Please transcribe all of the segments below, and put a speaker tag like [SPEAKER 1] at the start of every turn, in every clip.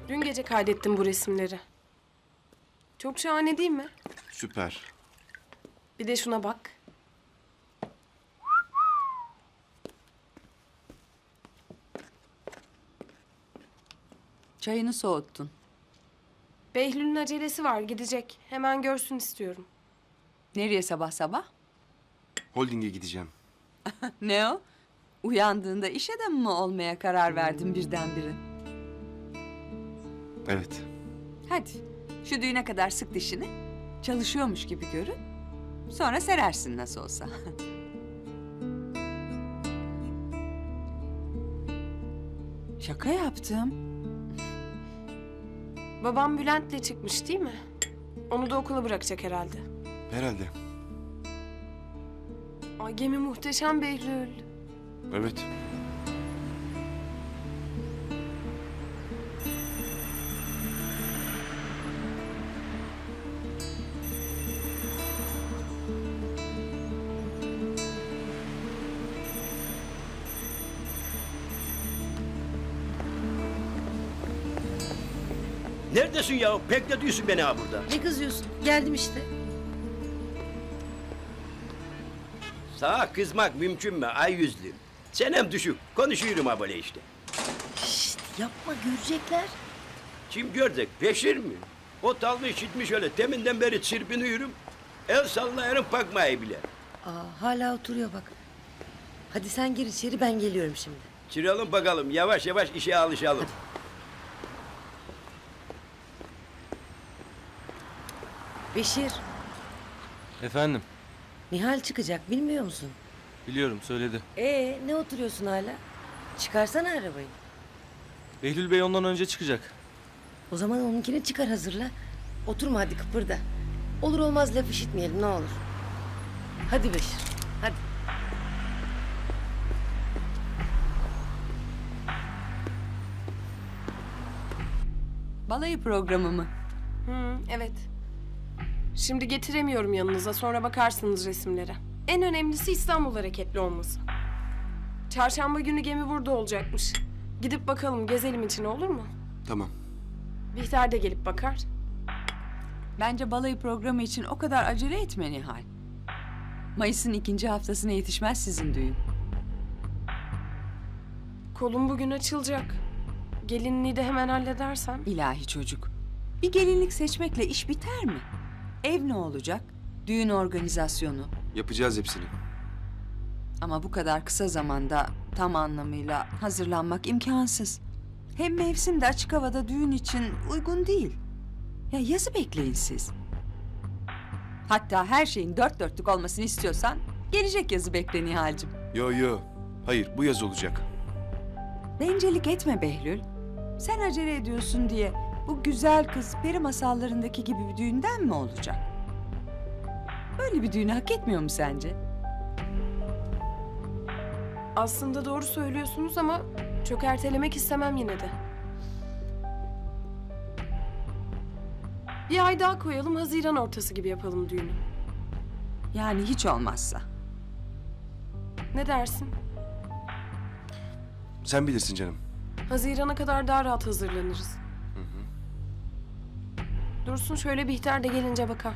[SPEAKER 1] Dün gece kaydettim bu resimleri. Çok şahane değil mi?
[SPEAKER 2] Süper.
[SPEAKER 1] Bir de şuna bak.
[SPEAKER 3] Çayını soğuttun.
[SPEAKER 1] Behlül'ün acelesi var, gidecek. Hemen görsün istiyorum.
[SPEAKER 3] Nereye sabah sabah?
[SPEAKER 2] Holding'e gideceğim.
[SPEAKER 3] Ne o? Uyandığında iş adamı mı olmaya karar verdin birdenbire?
[SPEAKER 2] Evet.
[SPEAKER 3] Hadi şu düğüne kadar sık dişini. Çalışıyormuş gibi görün. Sonra serersin nasıl olsa. Şaka yaptım.
[SPEAKER 1] Babam Bülent'le çıkmış değil mi? Onu da okula bırakacak herhalde.
[SPEAKER 2] Herhalde.
[SPEAKER 1] Ay gemi muhteşem Behlül.
[SPEAKER 2] Evet.
[SPEAKER 4] Neredesin ya? Bekletiyorsun beni ha burada.
[SPEAKER 5] Ne kızıyorsun? Geldim işte.
[SPEAKER 4] Sağa kızmak mümkün mü ay yüzlü? Senem düşük. Konuşuyorum ha böyle işte.
[SPEAKER 5] Şşt yapma görecekler.
[SPEAKER 4] Kim gördük? Beşir mi? O talmış gitmiş öyle. Teminden beri çırpınıyorum. El sallayarım bakmayı bile.
[SPEAKER 5] Aa, hala oturuyor bak. Hadi sen gir içeri ben geliyorum şimdi.
[SPEAKER 4] Çıralım bakalım. Yavaş yavaş işe alışalım.
[SPEAKER 5] Beşir,
[SPEAKER 6] Efendim,
[SPEAKER 5] Nihal çıkacak bilmiyor musun?
[SPEAKER 6] biliyorum söyledi.
[SPEAKER 5] Ne oturuyorsun hala? Çıkarsana arabayı.
[SPEAKER 6] Behlül Bey ondan önce çıkacak.
[SPEAKER 5] O zaman onunkini çıkar hazırla. Oturma hadi kıpırda. Olur olmaz laf işitmeyelim ne olur. Hadi Beşir, hadi.
[SPEAKER 3] Balayı programı mı?
[SPEAKER 1] Evet. Şimdi getiremiyorum yanınıza, sonra bakarsınız resimlere. En önemlisi İstanbul hareketli olması. Çarşamba günü gemi burada olacakmış. Gidip bakalım, gezelim için olur mu?
[SPEAKER 2] Tamam.
[SPEAKER 1] Bihter de gelip bakar.
[SPEAKER 3] Bence balayı programı için o kadar acele etme Nihal. Mayıs'ın 2. haftasına yetişmez sizin düğün.
[SPEAKER 1] Kolum bugün açılacak. Gelinliği de hemen halledersem.
[SPEAKER 3] İlahi çocuk. Bir gelinlik seçmekle iş biter mi? Ev ne olacak? Düğün organizasyonu.
[SPEAKER 2] Yapacağız hepsini.
[SPEAKER 3] Ama bu kadar kısa zamanda tam anlamıyla hazırlanmak imkansız. Hem mevsim de açık havada düğün için uygun değil. Ya yazı bekleyin siz. Hatta her şeyin dört dörtlük olmasını istiyorsan gelecek yazı bekle Nihal'cim.
[SPEAKER 2] Yo. Hayır, bu yaz olacak.
[SPEAKER 3] Bencillik etme Behlül. Sen acele ediyorsun diye bu güzel kız peri masallarındaki gibi bir düğünden mi olacak? Böyle bir düğünü hak etmiyor mu sence?
[SPEAKER 1] Aslında doğru söylüyorsunuz ama çok ertelemek istemem yine de. Bir ay daha koyalım, Haziran ortası gibi yapalım düğünü.
[SPEAKER 3] Yani hiç olmazsa.
[SPEAKER 1] Ne dersin?
[SPEAKER 2] Sen bilirsin canım.
[SPEAKER 1] Haziran'a kadar daha rahat hazırlanırız. Dursun şöyle, Bihter de gelince bakar.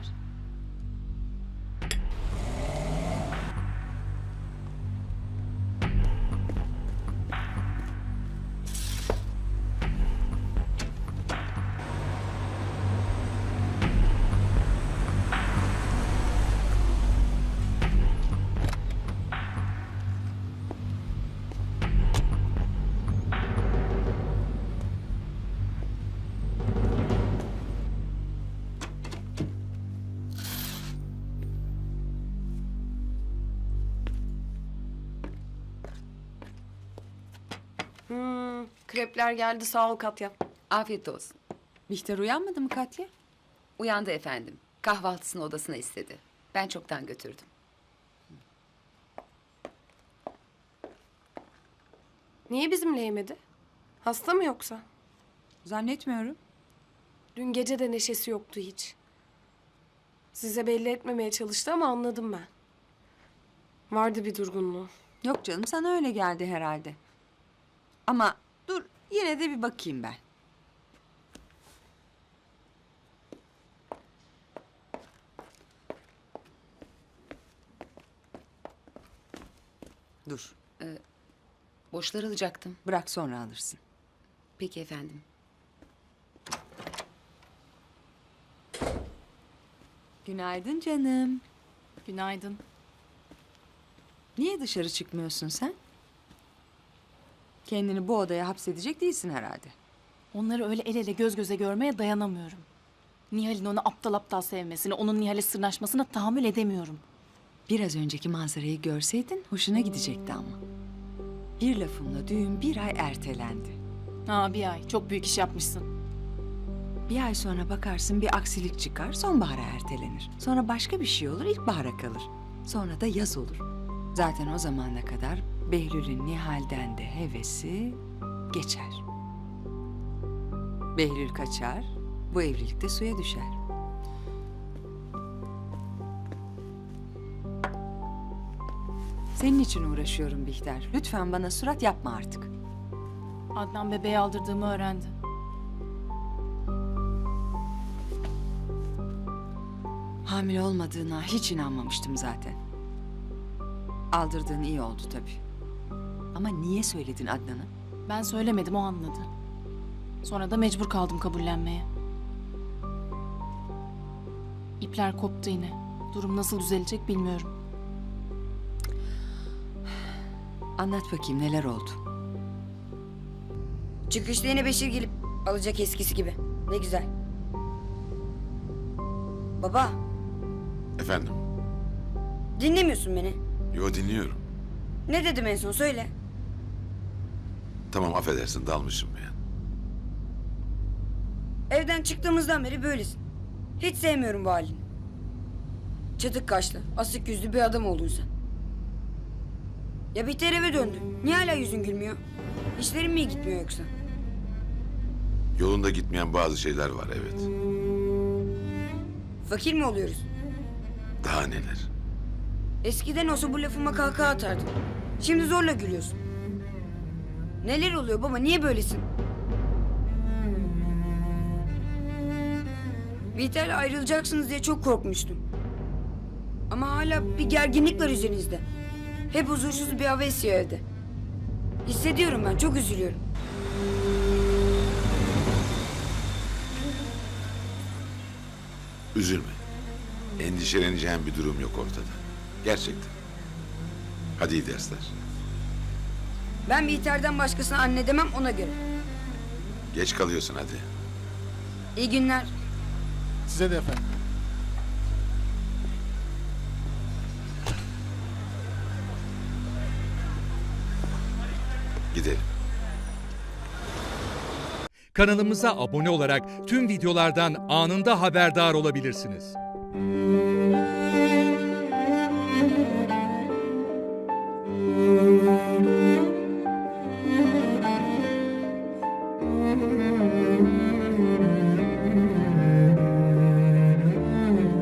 [SPEAKER 1] Krepler geldi, sağ ol Katya.
[SPEAKER 7] Afiyet olsun.
[SPEAKER 3] Bihter uyanmadı mı Katya?
[SPEAKER 7] Uyandı efendim. Kahvaltısını odasına istedi. Ben çoktan götürdüm.
[SPEAKER 1] Niye bizimle yemedi? Hasta mı yoksa?
[SPEAKER 3] Zannetmiyorum.
[SPEAKER 1] Dün gece de neşesi yoktu hiç. Size belli etmemeye çalıştı ama anladım ben. Vardı bir durgunluğu.
[SPEAKER 3] Yok canım, sana öyle geldi herhalde. Ama dur, yine de bir bakayım ben. Dur.
[SPEAKER 7] Borçlar alacaktım.
[SPEAKER 3] Bırak sonra alırsın.
[SPEAKER 7] Peki efendim.
[SPEAKER 3] Günaydın canım.
[SPEAKER 8] Günaydın.
[SPEAKER 3] Niye dışarı çıkmıyorsun sen? Kendini bu odaya hapsedecek değilsin herhalde.
[SPEAKER 8] Onları öyle el ele göz göze görmeye dayanamıyorum. Nihal'in onu aptal aptal sevmesini, onun Nihal'e sırnaşmasına tahammül edemiyorum.
[SPEAKER 3] Biraz önceki manzarayı görseydin hoşuna gidecekti ama. Bir lafımla düğün 1 ay ertelendi.
[SPEAKER 8] Ha, bir ay. Çok büyük iş yapmışsın.
[SPEAKER 3] Bir ay sonra bakarsın bir aksilik çıkar, sonbahara ertelenir. Sonra başka bir şey olur, ilkbahara kalır. Sonra da yaz olur. Zaten o zamana kadar Behlül'ün Nihal'den de hevesi geçer. Behlül kaçar, bu evlilik de suya düşer. Senin için uğraşıyorum Bihter. Lütfen bana surat yapma artık.
[SPEAKER 8] Adnan bebeği aldırdığımı öğrendi.
[SPEAKER 3] Hamile olmadığına hiç inanmamıştım zaten. Aldırdığın iyi oldu tabii. Ama niye söyledin Adnan'a?
[SPEAKER 8] Ben söylemedim, o anladı. Sonra da mecbur kaldım kabullenmeye. İpler koptu yine. Durum nasıl düzelecek bilmiyorum.
[SPEAKER 3] Anlat bakayım neler oldu?
[SPEAKER 9] Çıkışta yine Beşir gelip alacak eskisi gibi. Ne güzel. Baba,
[SPEAKER 10] Efendim?
[SPEAKER 9] dinlemiyorsun beni.
[SPEAKER 10] Yo, dinliyorum.
[SPEAKER 9] Ne dedim en son söyle.
[SPEAKER 10] Tamam, affedersin, dalmışım ya.
[SPEAKER 9] Evden çıktığımızdan beri böylesin. Hiç sevmiyorum bu halini. Çatık kaşlı, asık yüzlü bir adam oldun sen. Ya Bihter eve döndü. Niye hala yüzün gülmüyor? İşlerin mi iyi gitmiyor yoksa?
[SPEAKER 10] Yolunda gitmeyen bazı şeyler var, evet.
[SPEAKER 9] Fakir mi oluyoruz?
[SPEAKER 10] Daha neler?
[SPEAKER 9] Eskiden olsa bu lafıma kahkaha atardın. Şimdi zorla gülüyorsun. Neler oluyor baba? Niye böylesin? Bihter'le ayrılacaksınız diye çok korkmuştum. Ama hala bir gerginlik var üzerinizde. Hep huzursuz bir hava esiyor evde. Hissediyorum ben, çok üzülüyorum.
[SPEAKER 10] Üzülme. Endişeleneceğin bir durum yok ortada. Gerçekten. Hadi iyi dersler.
[SPEAKER 9] Ben Bihter'den başkasına anne demem, ona göre.
[SPEAKER 10] Geç kalıyorsun hadi.
[SPEAKER 9] İyi günler.
[SPEAKER 11] Size de efendim.
[SPEAKER 10] Gidelim.
[SPEAKER 12] Kanalımıza abone olarak tüm videolardan anında haberdar olabilirsiniz.